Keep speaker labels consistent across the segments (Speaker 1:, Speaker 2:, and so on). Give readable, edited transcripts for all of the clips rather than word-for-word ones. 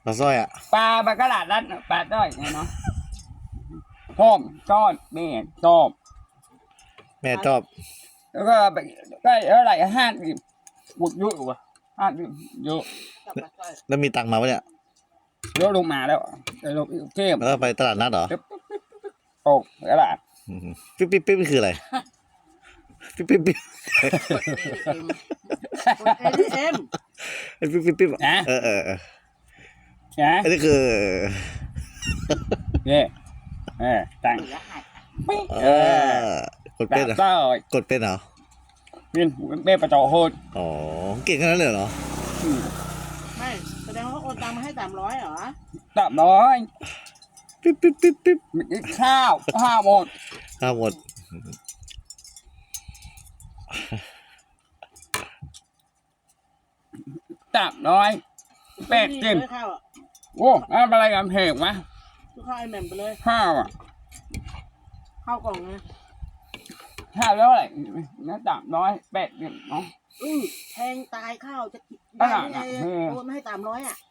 Speaker 1: ปลาสร้อยอ่ะ
Speaker 2: ปลาปลากระดาษนั้นปลาต้อยไงเนาะพ่อมก้อนแม่ชอบ
Speaker 1: แม่ชอบ
Speaker 2: แล้วก็ไปได้เท่าไหร่50บุกเยอะกว่า50เยอะ
Speaker 1: แล้วมีตังค์มาปะเนี่ย
Speaker 2: เยอะลงมาแล้วลงเทพ
Speaker 1: แล้วไปตลาดนัดเหรอ
Speaker 2: ตกกระดาษ
Speaker 1: ปิ๊บปิ๊บปิ๊บคืออะไรปิ๊บปิ๊บปิ๊บ
Speaker 3: ATM
Speaker 1: ปิ๊บปิ๊บปิ๊บ
Speaker 2: นะ
Speaker 1: นะอันนี้คือ
Speaker 2: เนี่ยตัง
Speaker 1: กดเป็นเหรอกดเป็นเหรอ
Speaker 2: เป็นประจอโหด
Speaker 1: อ๋อเก่งขนาดนั้นเลยเหรอ
Speaker 3: ไม่แสดงว่าโอนตังมาให้300เหรอ
Speaker 2: 300
Speaker 1: ปิ๊บปิ๊บปิ๊บปิ๊บ
Speaker 2: ข้าวหมด300เป็ดจิ้มโอ้อะไรกันเพลงวะ
Speaker 3: ข้าวไอแหม่มไปเลย
Speaker 2: ข้าว
Speaker 3: ข้าวกล่องไง
Speaker 2: ข้าวแล้วอะไรนะ300เป็ดจิ้มเนาะ
Speaker 3: แพงตายข้าวจะได้ไงโอนมาให้300อ่ะ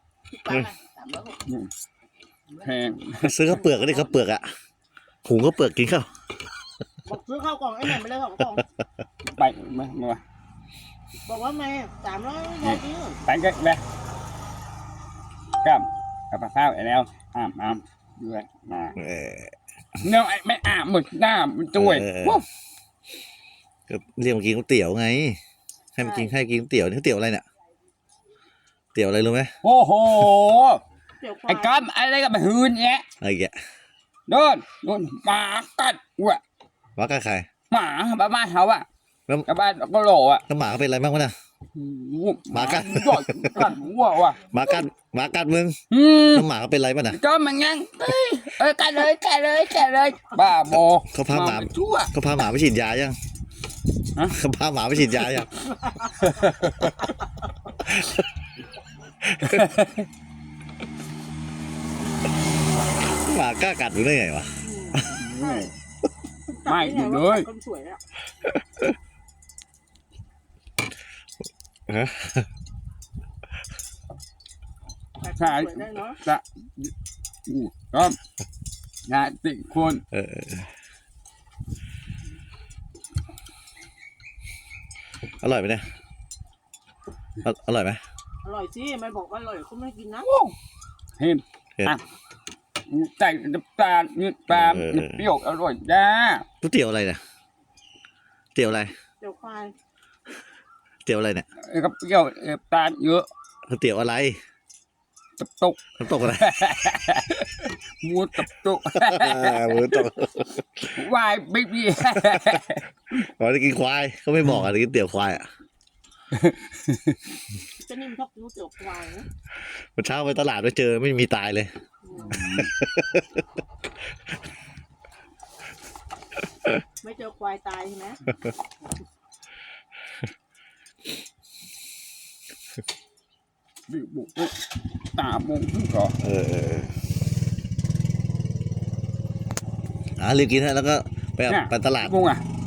Speaker 2: แพง
Speaker 1: ซื้อข้าวเปลือกก็ได้ข้าวเปลือกอ่ะหุงข้าวเปลือกกินข้าว
Speaker 3: บอกซื้อข้าวกล่องไอแหม่มไปเลย2 กล่อง
Speaker 2: ไปมา
Speaker 3: บอกว่าแม่300ได้จริง
Speaker 2: ไปกันเลยกับข้าวไอ้แล้วอาบด้วยมาเนาะไม่อาบหมดหน้ามันจุ้ย
Speaker 1: ก็เรียกมากินก๋วยเตี๋ยวไงให้มากินก๋วยเตี๋ยวนี่ก๋วยเตี๋ยวอะไรเนี่ยเตี๋ยวอะไรรู้ไหม
Speaker 2: โอ้โหไอ้ก้อนอะไรกับหืนเนี้ย
Speaker 1: อะไรแก
Speaker 2: โดนหมากัดว่ะ
Speaker 1: หมากัดใคร
Speaker 2: หมาบ้านเขาอ่ะกับบ้านก็โหลอ่ะ
Speaker 1: แล้วหมาเป็นอะไรบ้างวะเนี่ยหมากัด
Speaker 2: หัวว่ะ
Speaker 1: หมากัดมึงแล้วหมาเป็นอะไรบ้างน่ะ
Speaker 2: ก็มันยังกัดเลยบ้าโม
Speaker 1: เขาพาหมาไปฉีดยายังเขาพาหมาไปฉีดยายังหมากล้ากัดมึงได้ไงวะ
Speaker 2: ไม่เลยใช่จะก็งานติคน
Speaker 1: อร่อยไหมเนี่ยอร่อยไหม
Speaker 3: อร่อยสิไม่บอกว่าอร่อยคุณไม่กินนะ
Speaker 2: เห็นใส่น้ำตาลเปรี้ยวอร่อยจ้า
Speaker 1: ก๋วยเตี๋ยวอะไรเนี่ยเตี๋ยวอะไร
Speaker 3: เตี๋ยวควาย
Speaker 1: เตี๋ยวอะไรเนี่ย
Speaker 2: ก็เปรี้ยวตาลเยอะ
Speaker 1: ก๋วยเตี๋ยวอะไร
Speaker 2: ตก
Speaker 1: อะไร
Speaker 2: หมูตกวายไม่มี
Speaker 1: เราจะกินควายเขาไม่บอกอะไรกินเตี๋ยวควายอ่ะ
Speaker 3: จะนิ่มชอบกินเตี๋ยวควายนะ
Speaker 1: วันเช้าไปตลาดไปเจอไม่มีตายเลย
Speaker 3: ไม่เจอควายตายใช่ไหม
Speaker 2: บุกตาบุกก็
Speaker 1: รีบกินฮะแล้วก็ไปตลาด
Speaker 2: บุก